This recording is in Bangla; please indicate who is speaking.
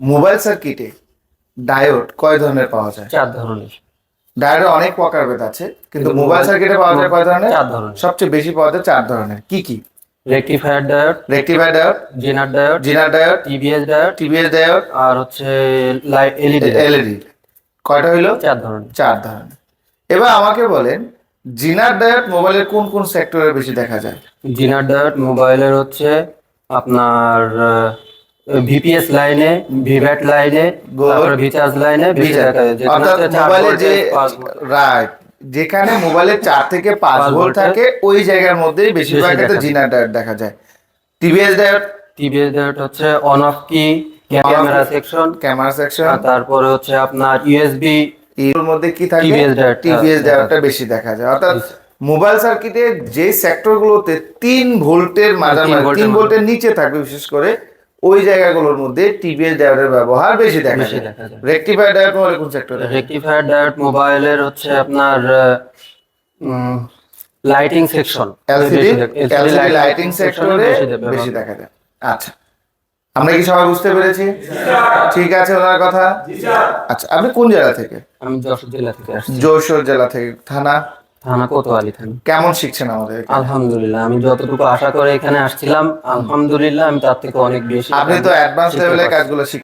Speaker 1: মোবাইল সার্কিটে ডায়োড কয় ধরনের পাওয়া যায়?
Speaker 2: 4 ধরনের।
Speaker 1: ডায়োডের অনেক প্রকারভেদ আছে, কিন্তু মোবাইল সার্কিটে পাওয়া যায় কয় ধরনের?
Speaker 2: 4 ধরনের।
Speaker 1: সবচেয়ে বেশি পাওয়া যায় 4 ধরনের। কি কি?
Speaker 2: Rectifier diode,
Speaker 1: rectifier diode,
Speaker 2: zener diode,
Speaker 1: zener diode,
Speaker 2: TVS diode,
Speaker 1: TVS diode,
Speaker 2: আর হচ্ছে এলইডি।
Speaker 1: এলইডি। কয়টা হইলো?
Speaker 2: 4 ধরনের।
Speaker 1: 4 ধরনের। এবার আমাকে বলেন, জিনার ডায়োড মোবাইলের কোন কোন সেক্টরে বেশি দেখা যায়?
Speaker 2: জিনার ডায়োড মোবাইলের হচ্ছে আপনার ভিপিএস লাইনে, ভিভ্যাট লাইনে, তারপরে ভিচার্জ লাইনে বেশি দেখা যায়। যেখানে
Speaker 1: অর্থাৎ
Speaker 2: হচ্ছে 4
Speaker 1: মোবাইলে যে
Speaker 2: ভোল্টেজ, 5 ভোল্ট
Speaker 1: রাইট, যেখানে মোবাইলে 4 থেকে 5 ভোল্ট থাকে ওই জায়গার মধ্যেই বেশিরভাগ ক্ষেত্রে জিনার ডায়োড দেখা যায়। টিবিএস ডায়োড,
Speaker 2: টিবিএস ডায়োড হচ্ছে অন অফ কি, ক্যামেরা সেকশন,
Speaker 1: ক্যামেরা সেকশন,
Speaker 2: তারপরে হচ্ছে আপনার ইউএসবি।
Speaker 1: এর মধ্যে কি থাকে?
Speaker 2: টিবিএস ডায়োড,
Speaker 1: টিবিএস ডায়োডটা বেশি দেখা যায়। অর্থাৎ মোবাইল সার্কিটে যে সেক্টরগুলোতে 3 ভোল্টের মাঝামাঝি 3 ভোল্টের নিচে থাকবে বিশেষ করে ওই জায়গাগুলোর মধ্যে টিবিএস ডায়োডের ব্যবহার বেশি দেখা যায়। রেকটিফায়ার ডায়োড মোবাইলে কোন সেক্টরে?
Speaker 2: রেকটিফায়ার ডায়োড মোবাইলের হচ্ছে আপনার লাইটিং সেকশন,
Speaker 1: এলসিডি লাইটিং সেক্টরে বেশি দেখা যায়। আচ্ছা, আমরা কি সবাই বুঝতে পেরেছি? ঠিক আছে ওনার কথা। আচ্ছা, আপনি কোন জেলা থেকে?
Speaker 2: আমি যশোর জেলা থেকে আসছি।
Speaker 1: যশোর জেলা থেকে। থানা?
Speaker 2: থানা কোতোয়ালি থানা।
Speaker 1: কেমন শিখছেন আমাদের?
Speaker 2: আলহামদুলিল্লাহ, আমি যতটুকু আশা করে এখানে আসছিলাম, আলহামদুলিল্লাহ আমি তার থেকে অনেক বেশি।
Speaker 1: আপনি তো অ্যাডভান্স লেভেলের কাজগুলো